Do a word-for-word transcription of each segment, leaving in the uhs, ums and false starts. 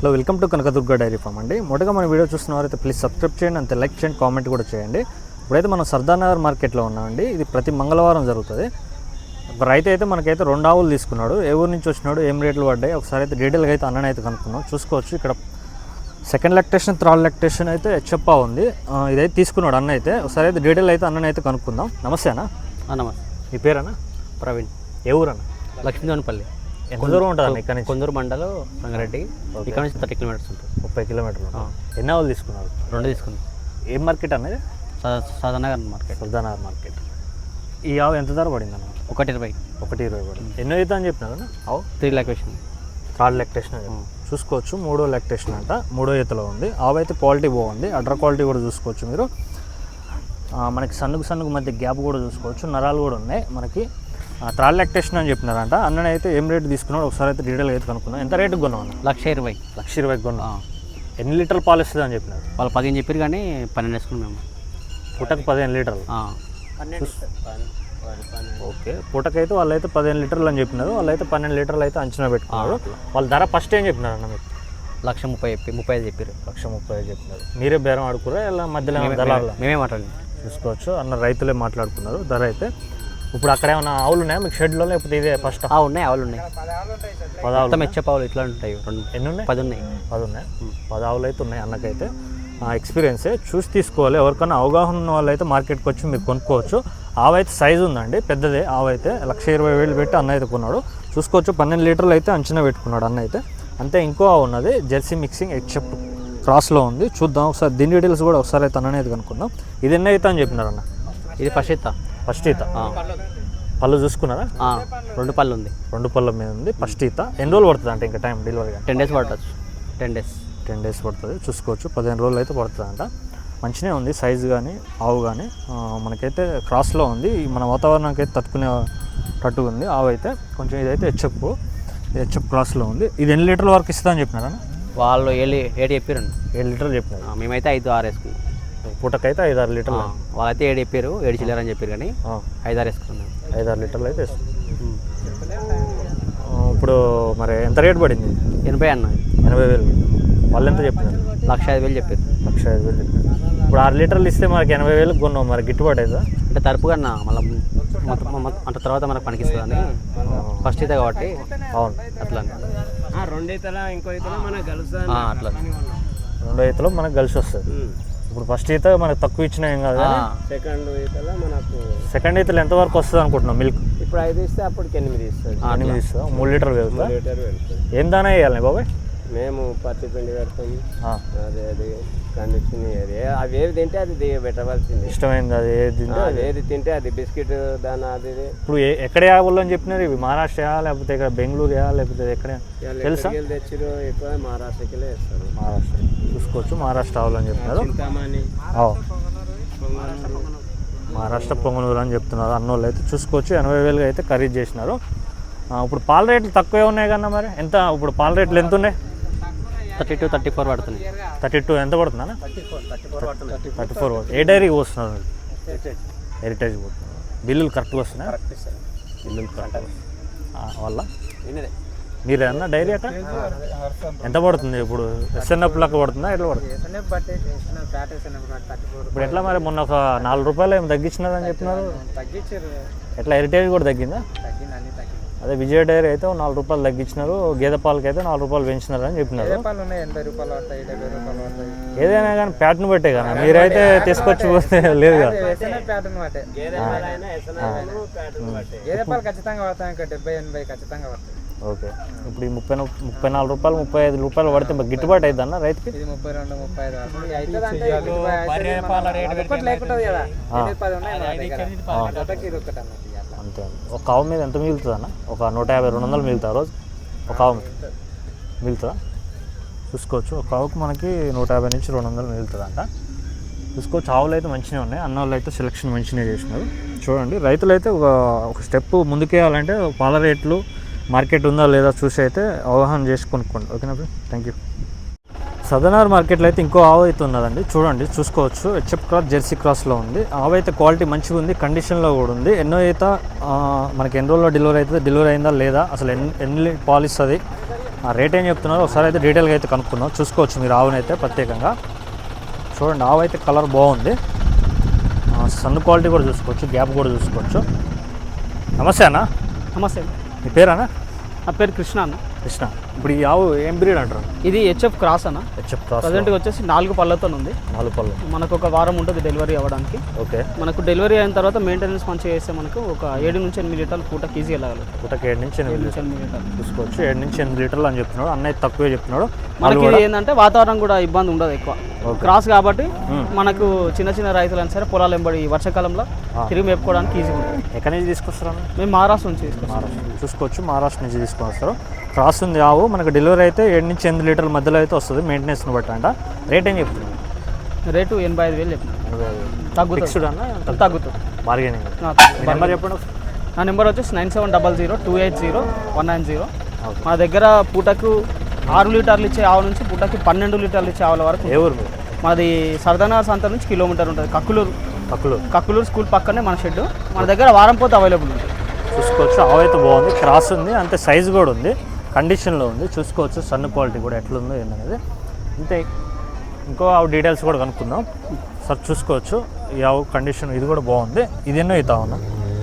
Hello, welcome to Kanakadurga dairy farm అండి. మొదటగా మన వీడియో చూస్తున్నవారైతే ప్లీజ్ సబ్స్క్రైబ్ చేయండి, అంతే లైక్ చేయండి, కామెంట్ కూడా చేయండి. ఇప్పుడైతే మనం సర్దార్ నగర్ మార్కెట్లో ఉన్నామండి. ఇది ప్రతి మంగళవారం జరుగుతుంది. రైతు అయితే మనకైతే రెండు ఆవులు తీసుకున్నాడు. ఏ ఊరు నుంచి వచ్చినాడు, ఏం రేట్లు పడ్డాయి ఒకసారి అయితే డీటెయిల్గా అయితే అన్నని అయితే కనుక్కున్నాం. చూసుకోవచ్చు ఇక్కడ సెకండ్ లాక్టేషన్, థర్డ్ లాక్టేషన్ అయితే చెప్పా ఉంది. ఇదైతే తీసుకున్నాడు అన్న అయితే. ఒకసారి అయితే డీటెయిల్ అయితే అన్నని అయితే కనుక్కుందాం. నమస్తే అన్న. నమస్తే. మీ పేరన్నా? ప్రవీణ్. ఏ ఊరు అన్న? లక్ష్మీదేవనపల్లి. ఎంత దూరం ఉంటుంది అన్న ఇక్కడ నుంచి? కొందూరు మండలం రంగారెడ్డి. ఇక్కడ నుంచి థర్టీ కిలోమీటర్స్ ఉంటుంది. ముప్పై కిలోమీటర్లు. ఎన్ని ఆవులు తీసుకున్నారు? రెండు తీసుకున్నాం. ఏం మార్కెట్ అన్నది? సదానగర్ మార్కెట్. సర్దానగర్ మార్కెట్. ఈ ఆవు ఎంత ధర పడింది అన్న? ఒకటి ఇరవై. ఒకటి ఇరవై పడింది. ఎన్నో అవుతా అని చెప్పినారు అన్న? ఆవు త్రీ లాక్టేషన్. థర్డ్ లాక్టేషన్ చూసుకోవచ్చు. మూడో లాక్టేషన్ అంట, మూడో ఈతలో ఉంది. ఆవు అయితే క్వాలిటీ బాగుంది. అడ్ర క్వాలిటీ కూడా చూసుకోవచ్చు మీరు. మనకి సన్నుకు సన్నుకు మధ్య గ్యాప్ కూడా చూసుకోవచ్చు. నరాలు కూడా ఉన్నాయి మనకి. థర్డ్ లాక్టేషన్ అని చెప్పినారంట. అన్నని అయితే ఏం రేటు తీసుకున్నాడు ఒకసారి అయితే డీటెయిల్ అయితే కనుక్కున్నాం. ఎంత రేటుకి కొన్నాం అన్న? లక్ష ఇరవై. లక్ష ఇరవైకి కొన్నాం. ఎన్ని లీటర్లు పాలు ఇస్తుంది అని చెప్పినారు? వాళ్ళు పదిహేను చెప్పారు కానీ పన్నెండు వేసుకున్నాం మేము. పూటకు పదిహేను లీటర్లు. ఓకే, పూటకైతే వాళ్ళు అయితే పదిహేను లీటర్లు అని చెప్పినారు. వాళ్ళు అయితే పన్నెండు లీటర్లు అయితే అంచనా పెట్టుకున్నారు. వాళ్ళ ధర ఫస్ట్ ఏం చెప్పినారు అన్న మీకు? లక్ష ముప్పై చెప్పి ముప్పై ఐదు చెప్పారు. లక్ష ముప్పై ఐదు చెప్పినారు. మీరే బేరం ఆడుకురా ఇలా మధ్యలో దళారులు? మేమే మాట్లాడి చూసుకోవచ్చు. అన్న రైతులే మాట్లాడుకున్నారు ధర అయితే. ఇప్పుడు అక్కడ ఏమైనా ఆవులు ఉన్నాయా మీకు షెడ్లో, లేకపోతే ఇదే ఫస్ట్? ఉన్నాయి, ఆవులు ఉన్నాయి. పదావులు మెచ్చ పావులు ఇట్లా ఉంటాయి. రెండు ఎన్ని ఉన్నాయి? పది ఉన్నాయి. పది ఉన్నాయి. పది ఆవులు అయితే ఉన్నాయి అన్నకైతే. ఎక్స్పీరియన్సే చూసి తీసుకోవాలి. ఎవరికైనా అవగాహన ఉన్న వాళ్ళు అయితే మార్కెట్కి వచ్చి మీరు కొనుక్కోవచ్చు. ఆవు అయితే సైజు ఉందండి, పెద్దదే ఆవు అయితే. లక్ష ఇరవై వేలు పెట్టి అన్న అయితే కొన్నాడు. చూసుకోవచ్చు. పన్నెండు లీటర్లు అయితే అంచనా పెట్టుకున్నాడు అన్న అయితే. అంతే ఇంకో ఆవు ఉన్నది జెర్సీ మిక్సింగ్ ఎక్సెప్ట్ క్రాస్లో ఉంది. చూద్దాం ఒకసారి దీని డీటెయిల్స్ కూడా ఒకసారి అయితే అన్ననే కనుక్కుందాం. ఇది ఎన్ని అవుతా అని చెప్పినారు అన్న? ఇది ఫస్ట్ ఈత. ఫస్ట్ ఈత. పళ్ళు చూసుకున్నారా? రెండు పళ్ళు ఉంది. రెండు పళ్ళ మీద ఉంది. ఫస్ట్ ఈత. ఎన్ని రోజులు పడుతుంది అంటే ఇంకా టైం డెలివరీగా? టెన్ డేస్ పడుతుంది. టెన్ డేస్ టెన్ డేస్ పడుతుంది. చూసుకోవచ్చు. పదిహేను రోజులు అయితే పడుతుంది అంట. మంచిగా ఉంది సైజు కానీ ఆవు కానీ. మనకైతే క్రాస్లో ఉంది. మన వాతావరణానికి అయితే తట్టుకునేటట్టు ఉంది ఆవు అయితే. కొంచెం ఇదైతే హెచ్ఎఫ్ హెచ్ఎఫ్ క్రాస్లో ఉంది. ఇది ఎన్ని లీటర్ల వరకు ఇస్తుందా అని చెప్పినారా? వాళ్ళు ఏడు ఏడు చెప్పారండి. ఏడు లీటర్లు చెప్పినారు. మేమైతే ఐదు ఆరు వేసుకున్నాం. పూటకైతే ఐదు ఆరు లీటర్లు. వాళ్ళైతే ఏడు చెప్పారు, ఏడు చిల్లర అని చెప్పారు కానీ ఐదు ఆరు వేసుకున్నాం. ఐదు ఆరు లీటర్లు అయితే ఇప్పుడు మరి ఎంత రేటు పడింది? ఎనభై అన్న. ఎనభై వేలు. వాళ్ళు ఎంత చెప్పినారు? లక్ష ఐదు వేలు చెప్పారు. లక్ష ఐదు వేలు చెప్పారు. ఇప్పుడు ఆరు లీటర్లు ఇస్తే మనకి ఎనభై వేలకు కొన్నాం. మరి గిట్టుబాటు అవుతుందా? అంటే తరపు కన్నా మళ్ళీ అంటే తర్వాత మనకు పనికిస్తుందని ఫస్ట్ అయితే కాబట్టి. అవును, అట్లా రెండు ఈతల ఇంకో ఈతలో మనకు కలుస్తుంది. అట్లా రెండో ఈతలో మనకు కలిసి వస్తుంది. ఇప్పుడు ఫస్ట్ ఈత మనకు తక్కువ ఇచ్చినా ఏం కాదు. సెకండ్ ఈతలో మనకు సెకండ్ ఈతలు ఎంతవరకు వస్తుంది అనుకుంటున్నాం మిల్క్? ఇప్పుడు ఐదు ఇస్తే అప్పటికి ఎనిమిది ఇస్తుంది. ఎనిమిది ఇస్తుందా? మూడు లీటర్లు వెళ్తా. లీటర్ వెళ్తుంది. ఏం దానా వేయాలి బాబాయ్? మేము పత్తి పిండి పెడతాం. అదే అది కండిషన్ అది అవి ఏది తింటే అది పెట్టవలసింది. ఇష్టమైంది అది ఏది తింటే అది ఏది తింటే అది బిస్కెట్ దాని అది. ఇప్పుడు ఎక్కడ వేయాలి అని చెప్పినారు? ఇవి మహారాష్ట్ర వేయాలి, లేకపోతే ఇక్కడ బెంగళూరు వేయాలి, లేకపోతే ఎక్కడ తెలుసా? తెచ్చిరు ఎక్కువ మహారాష్ట్రకి వేస్తారు. మహారాష్ట్ర చూసుకోవచ్చు. మహారాష్ట్ర ఆవులని చెప్తున్నారు. మహారాష్ట్ర పొంగనూరు అని చెప్తున్నారు అన్నోళ్ళు అయితే. చూసుకోవచ్చు. ఎనభై వేలుగా అయితే ఖరీదు చేసినారు. ఇప్పుడు పాల రేట్లు తక్కువే ఉన్నాయి కన్నా మరి ఎంత? ఇప్పుడు పాల రేట్లు ఎంత ఉన్నాయి? థర్టీ టూ థర్టీ ఫోర్ పడుతుంది. థర్టీ టూ ఎంత పడుతుందా? థర్టీ ఫోర్ థర్టీ ఫోర్ పడుతుంది. థర్టీ ఫోర్ ఏ డైరీకి వస్తున్నారు? హెరిటేజ్ పోతున్నారు. బిల్లులు కరెక్ట్గా వస్తున్నాయి? బిల్లులు కరెక్ట్ వల్ల మీరే అన్న డైరీ అక్కడ ఎంత పడుతుంది? ఇప్పుడు ఎస్ఎన్ఎఫ్ లెక్క పడుతుందా? ఎట్లా పడుతుంది ఇప్పుడు? ఎట్లా మరి మొన్న ఒక నాలుగు రూపాయలు ఏమి తగ్గించినారని చెప్పినారు. ఎట్లా హెరిటేజ్ కూడా తగ్గిందా? అదే విజయ డైరీ అయితే నాలుగు రూపాయలు తగ్గించినారు. గేదె పాలకి అయితే నాలుగు రూపాయలు పెంచినారు అని చెప్పినారు. ఏదైనా కానీ ప్యాటర్న్ బట్టే కదా. మీరైతే తీసుకొచ్చి పోతే లేదు కదా. ఓకే, ఇప్పుడు ఈ ముప్పై ముప్పై నాలుగు రూపాయలు ముప్పై ఐదు రూపాయలు పడితే గిట్టుబాటు అవుతుంది అన్న రైతుకి? ముప్పై రెండు ముప్పై ఐదు అంతే. ఒక ఆవు మీద ఎంత మిగులుతుంది అన్న? ఒక నూట యాభై రెండు వందలు మిగులుతా రోజు ఒక ఆవు మిగులుతుందా? చూసుకోవచ్చు. ఒక ఆవుకు మనకి నూట యాభై నుంచి రెండు వందలు మిగులుతుంది అంట. చూసుకోవచ్చు. ఆవులు అయితే మంచిగా ఉన్నాయి. అన్న వాళ్ళు అయితే సెలెక్షన్ మంచిగా చేసినారు. చూడండి, రైతులు అయితే ఒక ఒక స్టెప్ ముందుకేయాలంటే పాల రేట్లు మార్కెట్ ఉందా లేదా చూసి అయితే అవగాహన చేసి కొనుక్కోండి. ఓకేనా ఫ్రెండ్? Thank you. సదర్నగర్ మార్కెట్లో అయితే ఇంకో ఆవు అయితే ఉన్నదండి. చూడండి, చూసుకోవచ్చు. హెచ్ఎఫ్ క్రాస్ జెర్సీ క్రాస్లో ఉంది. ఆవు అయితే క్వాలిటీ మంచిగా ఉంది, కండిషన్లో కూడా ఉంది. ఎన్నో అయితే మనకి ఎన్ని రోజుల్లో డెలివరీ అవుతుంది, డెలివరీ అయిందా లేదా, అసలు ఎన్ని ఎన్ని పాలు ఇస్తుంది ఆ రేట్ ఏం చెప్తున్నారు ఒకసారి అయితే డీటెయిల్గా అయితే కనుక్కుందాం. చూసుకోవచ్చు మీరు ఆవునైతే ప్రత్యేకంగా చూడండి. ఆవు అయితే కలర్ బాగుంది, సన్ క్వాలిటీ కూడా చూసుకోవచ్చు, గ్యాప్ కూడా చూసుకోవచ్చు. నమస్తే అన్న. నమస్తే. మీ పేరేనా? నా పేరు కృష్ణ అన్న. కృష్ణ. ఇప్పుడు ఈ ఆవు ఏం బ్రీడ్ అంటారు? ఇది హెచ్ఎఫ్ క్రాస్ అన్న. హెచ్ఎఫ్ క్రాస్ ప్రజెంట్గా వచ్చేసి నాలుగు పళ్ళతో ఉంది. నాలుగు పళ్ళు. మనకు ఒక వారం ఉంటుంది డెలివరీ అవ్వడానికి. ఓకే. మనకు డెలివరీ అయిన తర్వాత మెయింటెనెన్స్ మంచిగా చేస్తే మనకు ఒక ఏడు నుంచి ఎనిమిది లీటర్లు పూటకి ఈజీ వెళ్ళగలరు. పూటకి ఏడు నుంచి ఎనిమిది నుంచి ఎనిమిది లీటర్లు చూసుకోవచ్చు. ఏడు నుంచి ఎనిమిది లీటర్లు అని చెప్తున్నాడు అన్నయ్య, తక్కువే చెప్తున్నాడు. మనకి ఏంటంటే వాతావరణం కూడా ఇబ్బంది ఉండదు ఎక్కువ. క్రాస్ కాబట్టి మనకు చిన్న చిన్న రైతులైనా సరే పొలాలు వెంబడి వర్షాకాలంలో తిరిగి మేపుకోవడానికి ఈజీ ఉంటుంది. ఎక్కడి నుంచి తీసుకొస్తారా? మేము మహారాష్ట్ర నుంచి తీసుకొస్తాం. మహారాష్ట్ర చూసుకోవచ్చు, మహారాష్ట్ర నుంచి తీసుకొని వస్తారు. క్రాస్ ఉంది ఆవు. మనకు డెలివరీ అయితే ఏడు నుంచి ఎనిమిది లీటర్ల మధ్యలో అయితే వస్తుంది మెయింటెనెన్స్ని బట్టి అంట. రేట్ ఏం చెప్తున్నాను? రేటు ఎనభై ఐదు వేలు చెప్పినాను. తగ్గుతుంది. ఫిక్స్డ్ అన్న తగ్గుతుంది. బార్గెనింగ్. నెంబర్ చెప్పండి. నా నెంబర్ వచ్చేసి nine seven double zero two eight zero one nine zero. మా దగ్గర పూటకు ఆరు లీటర్లు ఇచ్చే ఆవు నుంచి పూటకి పన్నెండు లీటర్లు ఇచ్చే ఆవుల వరకు. ఏ ఊరు? మాది సరదానగర్ సంత నుంచి కిలోమీటర్ ఉంటుంది. కక్కులూరు. కక్కులూరు. కక్కులూరు స్కూల్ పక్కనే మన షెడ్. మన దగ్గర వారం పోతే అవైలబుల్ ఉంటుంది. చూసుకోవచ్చు. ఆవు అయితే బాగుంది, క్రాస్ ఉంది, అంతే సైజు కూడా ఉంది, కండిషన్లో ఉంది. చూసుకోవచ్చు సన్ క్వాలిటీ కూడా ఎట్లుందో ఏందనేది. అంతే. ఇంకో ఆవు డీటెయిల్స్ కూడా కనుక్కుందాం సార్. చూసుకోవచ్చు ఈ ఆవు కండిషన్ ఇది కూడా బాగుంది. ఇది ఎన్నో అవుతా ఉన్నా?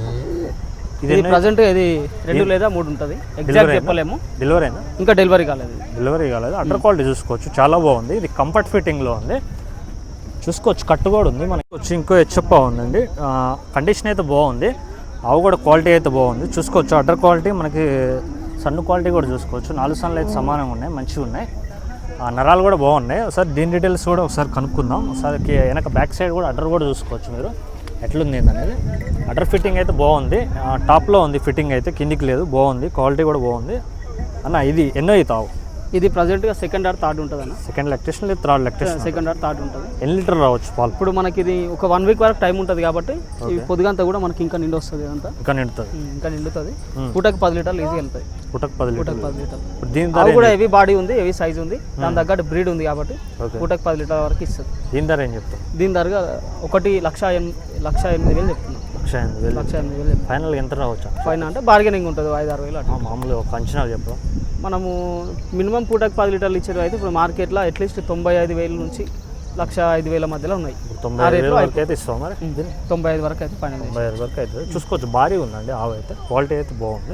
ఇది ప్రజెంట్ ఇది రెండు లేదా మూడు ఉంటుంది, ఎగ్జాక్ట్ చెప్పలేము. డెలివరీ అయినా? ఇంకా డెలివరీ కాలేదు. డెలివరీ కాలేదు. అండర్ క్వాలిటీ చూసుకోవచ్చు, చాలా బాగుంది. ఇది కంఫర్ట్ ఫిట్టింగ్లో ఉంది. చూసుకోవచ్చు కట్టు కూడా ఉంది. మనకి వచ్చి ఇంకో హెచ్ఎఫ్ ఉందండి. కండిషన్ అయితే బాగుంది. ఆవు కూడా క్వాలిటీ అయితే బాగుంది. చూసుకోవచ్చు అడ్డర్ క్వాలిటీ, మనకి సన్ను క్వాలిటీ కూడా చూసుకోవచ్చు. నాలుగు సన్నులు అయితే సమానంగా ఉన్నాయి, మంచిగా ఉన్నాయి. నరాలు కూడా బాగున్నాయి. ఒకసారి దీని డీటెయిల్స్ కూడా ఒకసారి కనుక్కుందాం. ఒకసారి వెనక బ్యాక్ సైడ్ కూడా అడ్డర్ కూడా చూసుకోవచ్చు మీరు ఎట్లుంది అనేది. అడ్డర్ ఫిట్టింగ్ అయితే బాగుంది, టాప్లో ఉంది ఫిట్టింగ్ అయితే, కిందికి లేదు. బాగుంది, క్వాలిటీ కూడా బాగుంది అన్న. ఇది ఎన్నో అవుతావు? ఇది ప్రజెంట్గా సెకండ్ ఆర్ థర్డ్ ఉంటుంది అన్న. సెకండ్ లెక్టేషన్ లేదు, third lactation. Second or third ఉంటుంది. ఎన్ని లీటర్ రావచ్చు పాలు? ఇప్పుడు మనకి ఇది ఒక వన్ వీక్ వరకు టైం ఉంటుంది కాబట్టి ఈ పొద్దుగంతా కూడా మనకి ఇంకా నిండు వస్తుంది. అంతా ఇంకా నిండుతుంది. ఇంకా నిండుతుంది. పూటకి పది లీటర్లు ఈజీ వెళ్తాయి. పూటకి పది పూటకి పది లీటర్లు. దీని ధర కూడా హెవీ బాడీ ఉంది, హెవీ సైజ్ ఉంది, దాని తగ్గట్టు బ్రీడ్ ఉంది కాబట్టి పూటకి పది లీటర్ల వరకు ఇస్తుంది. దీని ధర ఏం చెప్తాం? దీని ధరగా ఒకటి లక్ష లక్ష ఎనిమిది వేలు చెప్తున్నాం. లక్ష ఎనిమిది వేలు లక్ష ఎనిమిది వేలు ఫైనల్ ఎంత రావచ్చు? ఫైన్ అంటే బార్గెనింగ్ ఉంటుంది, ఐదు ఆరు వేలు అట్లా. మామూలుగా ఒక అంచనా చెప్పడం. మనము మినిమం పూటకి పది లీటర్లు ఇచ్చేది అయితే ఇప్పుడు మార్కెట్లో అట్లీస్ట్ తొంభై ఐదు వేల నుంచి లక్ష ఐదు వేల మధ్యలో ఉన్నాయి. తొంభై ఐదు వేల వరకు అయితే ఇస్తాం మరి. తొంభై ఐదు వరకు అయితే ఫైనల్. తొంభై ఐదు వరకు అయితే చూసుకోవచ్చు. భారీ ఉందండి ఆవు అయితే, క్వాలిటీ అయితే బాగుంది.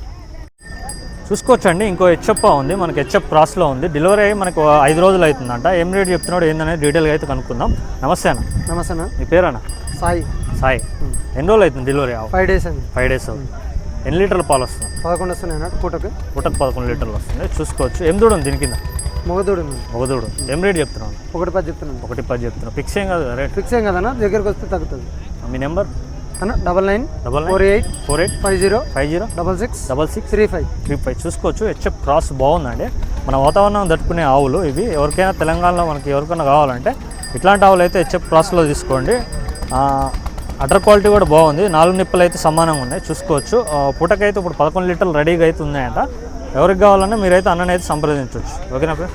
చూసుకోవచ్చు అండి. ఇంకో హెచ్ఎఫ్ ఉంది మనకి, హెచ్ఎఫ్ క్రాస్లో ఉంది. డెలివరీ అయ్యి మనకు ఐదు రోజులు అవుతుందంట. ఏం రేట్ చెప్తున్నాడు ఏందనేది డీటెయిల్గా అయితే కనుక్కుందాం. నమస్తే అన్న. నమస్తే అన్న. మీ పేరన్నా? సాయి. సాయి. ఎన్ని రోజులు అవుతుంది డెలివరీ? ఫైవ్ డేస్ అండి. ఫైవ్ డేస్ అవుతుంది. ఎన్ని లీటర్ల పాలు వస్తుంది? పదకొండు వస్తున్నాయి అన్నట్టు పూటకు. పూటకు పదకొండు లీటర్లు వస్తుంది. చూసుకోవచ్చు. ఏం దూడ ఉంది దీని కింద? మొగదూడు. మొగదూడు. ఏం రేట్ చెప్తున్నాను? ఒకటి పది చెప్తున్నాను. ఒకటి పది చెప్తున్నాను. ఫిక్స్ ఏం కాదు రేట్? ఫిక్స్ ఏం కదన్నా, దగ్గరకు వస్తే తగ్గుతుంది. మీ నెంబర్ అన్న double nine double four eight four eight five zero five zero double six double six three five three five చూసుకోవచ్చు. హెచ్ఎఫ్ క్రాస్ బాగుందండి. మన వాతావరణం తట్టుకునే ఆవులు ఇవి. ఎవరికైనా తెలంగాణలో మనకి ఎవరికైనా కావాలంటే ఇట్లాంటి ఆవులు అయితే హెచ్ఎఫ్ క్రాస్లో తీసుకోండి. అటర్ క్వాలిటీ కూడా బాగుంది. నాలుగు నిప్పులు అయితే సమానంగా ఉన్నాయి. చూసుకోవచ్చు. పూటకైతే ఇప్పుడు పదకొండు లీటర్లు రెడీగా అయితే ఉన్నాయంట. ఎవరికి కావాలన్నా మీరైతే అన్నని అయితే సంప్రదించవచ్చు. ఓకేనా ఫ్రెండ్?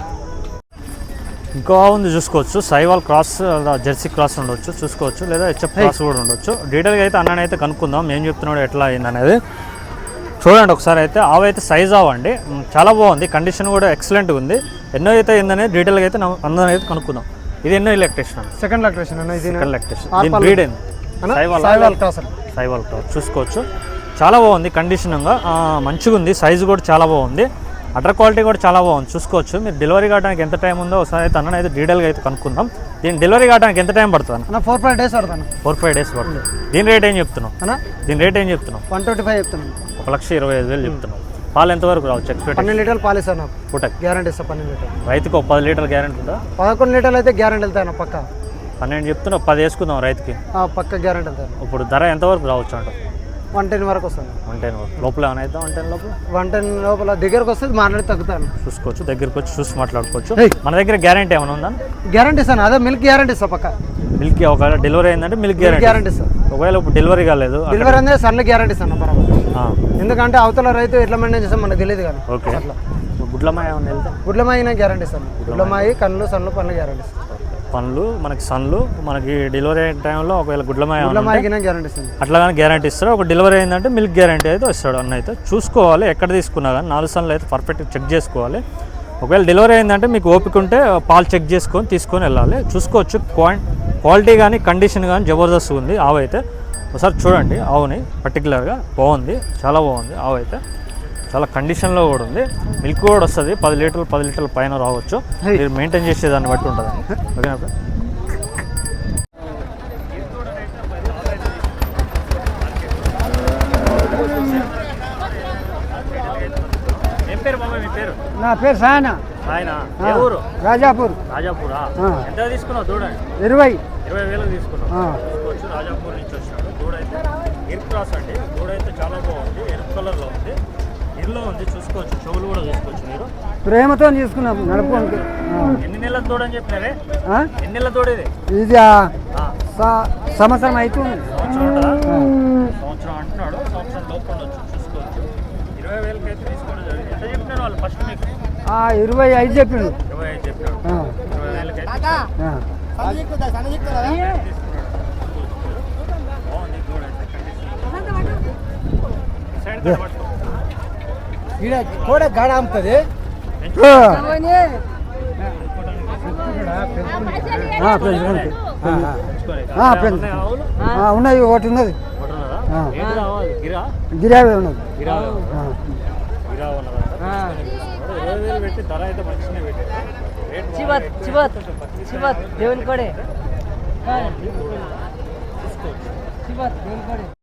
ఇంకో ఉంది చూసుకోవచ్చు. సైవాల్ క్రాస్, జెర్సీ క్రాస్ ఉండొచ్చు చూసుకోవచ్చు, లేదా హెచ్ఎఫ్ క్రాస్ కూడా ఉండొచ్చు. డీటెయిల్గా అయితే అన్నని అయితే కనుక్కుందాం ఏం చెప్తున్నాడు ఎట్లా అయింది అనేది. చూడండి ఒకసారి అయితే. ఆవు అయితే సైజ్ అవ్వండి, చాలా బాగుంది, కండిషన్ కూడా ఎక్సలెంట్గా ఉంది. ఎన్నో అయితే అయిందనేది డీటెయిల్గా అయితే అందరం అయితే కనుక్కుందాం. ఇది ఎన్నో ఎలక్ట్రేషన్? సెకండ్ ఎలక్ట్రేషన్. సెకండ్ ఎలక్ట్రేషన్. దీని బ్రీడ్ ఏంది? సైవాల్ క్రాస్. సైవాల్ క్రాస్ చూసుకోవచ్చు. చాలా బాగుంది, కండిషన్గా మంచిగా ఉంది, సైజు కూడా చాలా బాగుంది, అటర్ క్వాలిటీ కూడా చాలా బాగుంది. చూసుకోవచ్చు. మీరు డెలివరీ కావడానికి ఎంత టైం ఉందో ఒకసారి అయితే అన్న అయితే డీటెయిల్గా అయితే కనుక్కుందాం. దీని డెలివరీ కావడానికి ఎంత టైం పడుతుంది అన్న? ఫోర్ ఫైవ్ డేస్ పడుతుంది. ఫోర్ ఫైవ్ డేస్ పడుతుంది. దీని రేట్ ఏం చెప్తున్నావు అన్న? దీని రేట్ ఏం చెప్తున్నావు? వన్ ట్వంటీ ఫైవ్ చెప్తున్నాను. ఒక లక్ష ఇరవై ఐదు వేలు చెప్తున్నావు. పాలు ఎంతవరకు రావచ్చు ఎక్స్పెక్ట్? పన్నెండు లీటర్లు పాలు ఇస్తాను నాకు పూటకి. గ్యారంటీ ఇస్తాను పన్నెండు లీటర్లు. రైతుకు ఒక పది లీటర్ గ్యారంటీ ఉందా? పదకొండు లీటర్లు అయితే గ్యారంటీ వెళ్తాను పక్క. పన్నెండు చెప్తున్నావు, పది వేసుకుందాం రైతుకి. పక్క గ్యారంటీ వెళ్తాను. ఇప్పుడు ధర ఎంతవరకు రావచ్చు అంట? వన్ టెన్ వరకు వస్తుంది. వన్ టెన్ వరకు లోపల ఏమైనా అవుతా? వన్ టెన్ లోపల వన్ టెన్ లోపల దగ్గరకు వస్తే మాట్లాడి తగ్గుతాను. చూసుకోవచ్చు. దగ్గరకు వచ్చి చూసి మాట్లాడుకోవచ్చు. మన దగ్గర గ్యారంటీ ఏమైనా ఉందా? గ్యారంటీ ఇస్తాను. అదే మిల్క్ గ్యారంటీ ఇస్తా పక్క. మిల్క్ ఒకవేళ డెలివరీ అయిందంటే మిల్క్ గ్యారంటీ గ్యారంటీ ఇస్తాను. ఒకవేళ ఇప్పుడు డెలివరీ కాలేదు, డెలివరీ అనేది సన్లు గ్యారంటీ ఇస్తాను బరాబర్. ఎందుకంటే అవతల రైతు ఎట్లా మెయింటైన్ చేస్తాం మనకు తెలియదు కానీ. ఓకే. గుడ్లమాయ ఏమైనా వెళ్తే? గుడ్లమాయి గ్యారంటీ ఇస్తాను. గుడ్లమాయి కళ్ళు సన్లు పనులు గ్యారంటీ ఇస్తాను. పనులు మనకి సన్లు మనకి డెలివరీ అయిన టైంలో ఒకవేళ గుడ్లమాయ గ్యారంటీ ఇస్తుంది. అట్లా కానీ గ్యారంటీ ఇస్తారు. ఒక డెలివరీ అయిందంటే మిల్క్ గ్యారంటీ అయితే ఇస్తాడు అన్న. అయితే చూసుకోవాలి ఎక్కడ తీసుకున్నా కానీ నాలుగు సన్లు అయితే పర్ఫెక్ట్గా చెక్ చేసుకోవాలి. ఒకవేళ డెలివరీ అయిందంటే మీకు ఓపిక ఉంటే పాలు చెక్ చేసుకొని తీసుకొని వెళ్ళాలి. చూసుకోవచ్చు క్వాలిటీ కానీ కండిషన్ కానీ జబర్దస్త్ ఉంది ఆవు అయితే. ఒకసారి చూడండి ఆవుని పర్టికులర్గా బాగుంది, చాలా బాగుంది ఆవు అయితే. చాలా కండిషన్లో కూడా ఉంది. మిల్క్ కూడా వస్తుంది, పది లీటర్లు పది లీటర్ల పైన రావచ్చు. మీరు మెయింటైన్ చేసేదాన్ని బట్టి ఉంటుంది. ఓకేనా? ఏం పేరు బాబా మీ పేరు? నా పేరు సాయన. ఆయన ఏ ఊరు? రాజాపూర్. రాజాపూరా? ఎంత తీసుకున్నావు చూడండి? ఇరవై ఇరవై వేలకు తీసుకున్నావు. తీసుకోవచ్చు. రాజాపూర్ నుంచి వచ్చినాడు. దూడైతే ఎరుపు క్రాస్ అండి. దూడైతే చాలా బాగుంది, ఎరుపు కలర్లో ఉంది, ఇల్లు ఉంది. చూసుకోవచ్చు, చెవులు కూడా చూసుకోవచ్చు మీరు. ప్రేమతో తీసుకున్నాం నడుపుకోండి. ఎన్ని నెలల తోడు అని చెప్పినారే? ఎన్ని నెలల తోడు ఇది? ఇది సంవత్సరం అవుతుంది. సంవత్సరం ఉంటుందా? సంవత్సరం అంటున్నాడు. సంవత్సరం లోపల ఉండొచ్చు. చూసుకోవచ్చు. ఇరవై వేలకి అయితే తీసుకోవడం జరిగింది. ఎంత చెప్పినారు వాళ్ళు ఫస్ట్ మీకు? ఇరవై ఐదు చెప్పిండు. ఇరవై ఐదు చెప్పినాడు. ఇరవై వేలకి అయితే బాగుంది. దూడ అయితే కండిషన్ కూడా గాడ అమ్ముతుంది. ఉన్నది ఒకటి ఉన్నది. గిరావే ఉన్నది. పెట్టి ధర అయితే మంచిగా దేవుని కొడే పెట్టి